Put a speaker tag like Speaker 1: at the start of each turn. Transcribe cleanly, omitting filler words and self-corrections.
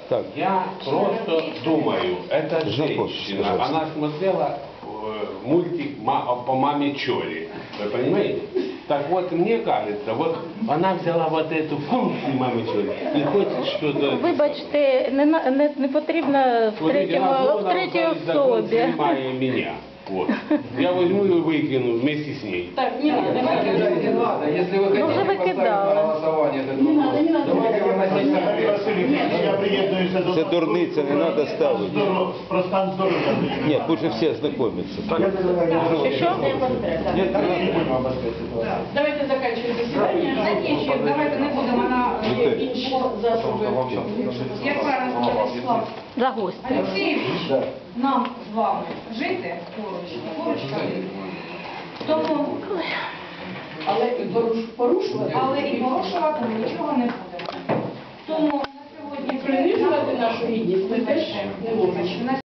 Speaker 1: Так.
Speaker 2: Я просто думаю, эта женщина, она смотрела мультик по маме Чоли. Вы понимаете? Так вот, мне кажется, вот она взяла вот эту функцию мамы Чоли и хочет что-то...
Speaker 3: Вибачте, не потрібно в третій особі.
Speaker 2: Меня. Вот. Я возьму и выкину вместе с ней.
Speaker 4: Так, не надо, давайте уже
Speaker 5: Не надо, если вы хотите поставить на голосование этот вопрос, давайте выносить на пленум.
Speaker 6: Я приєднуюся до
Speaker 1: Це дурниця, не треба ставити.
Speaker 6: про стан здоров'я.
Speaker 1: Ні, пусть же всі ознакомляться.
Speaker 3: Що?
Speaker 4: Давайте заканчивать заседание. Закінчуємо, давайте не будемо на інші засоби. Як правильно сказав Вячеслав
Speaker 3: За гостя.
Speaker 4: Олексійович, нам з вами жити поруч ходити. Тому, але і порушувати ми нічого не будемо. Тому на сьогодні принижувати нашу гідність ми теж не можемо.